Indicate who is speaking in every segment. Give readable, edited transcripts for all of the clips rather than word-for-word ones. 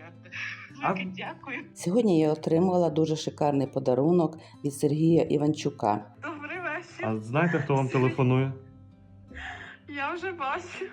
Speaker 1: Велике дякую.
Speaker 2: Сьогодні я отримала дуже шикарний подарунок від Сергія Іванчука.
Speaker 1: Добрий вечір.
Speaker 3: А знаєте, хто вам телефонує?
Speaker 1: Я вже бачу.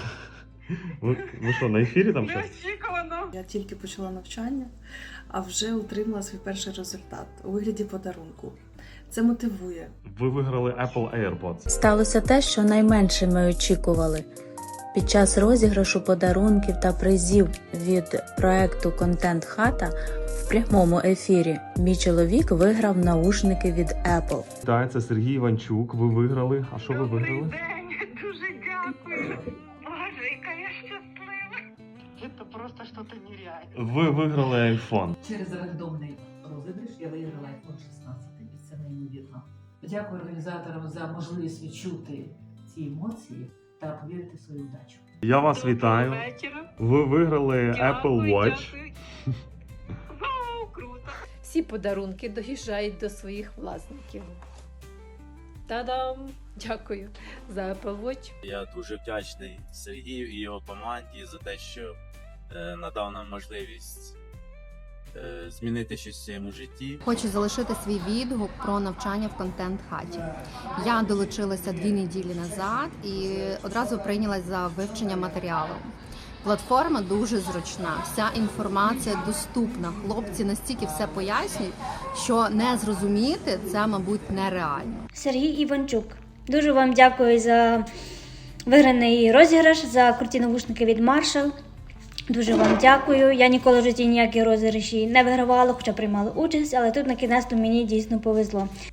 Speaker 3: Ви що, на ефірі там щось?
Speaker 1: Неочікувано.
Speaker 4: Я тільки почала навчання, а вже отримала свій перший результат у вигляді подарунку. Це мотивує.
Speaker 3: Ви виграли Apple AirPods.
Speaker 5: Сталося те, що найменше ми очікували. Під час розіграшу подарунків та призів від проекту «Контент Хата» в прямому ефірі мій чоловік виграв наушники від Apple.
Speaker 3: Так, це Сергій Іванчук. Ви виграли. А що ви
Speaker 1: Добрий
Speaker 3: виграли?
Speaker 1: день. Дуже дякую. Боже, яка я щаслива. Це просто щось нереальне.
Speaker 3: Ви виграли iPhone.
Speaker 6: Через рандомний розіграш я виграла iPhone 16, і це неймовірно. Дякую організаторам за можливість відчути ці емоції та повірити в свою удачу.
Speaker 3: Я вас вітаю.
Speaker 1: Вечора.
Speaker 3: Ви виграли Apple Watch.
Speaker 1: Дякую. Вау, круто.
Speaker 7: Всі подарунки доїжджають до своїх власників. Та-дам! Дякую за Apple Watch.
Speaker 8: Я дуже вдячний Сергію і його команді за те, що надав нам можливість змінити щось в своєму житті.
Speaker 9: Хочу залишити свій відгук про навчання в контент-хаті. Я долучилася 2 неділі назад і одразу прийнялась за вивчення матеріалу. Платформа дуже зручна, вся інформація доступна. Хлопці настільки все пояснюють, що не зрозуміти це, мабуть, нереально.
Speaker 10: Сергій Іванчук. Дуже вам дякую за виграний розіграш, за круті навушники від Marshall. Дуже вам дякую. Я ніколи в житті ніякі розіграші не вигравала, хоча приймала участь, але тут на кінець мені дійсно повезло.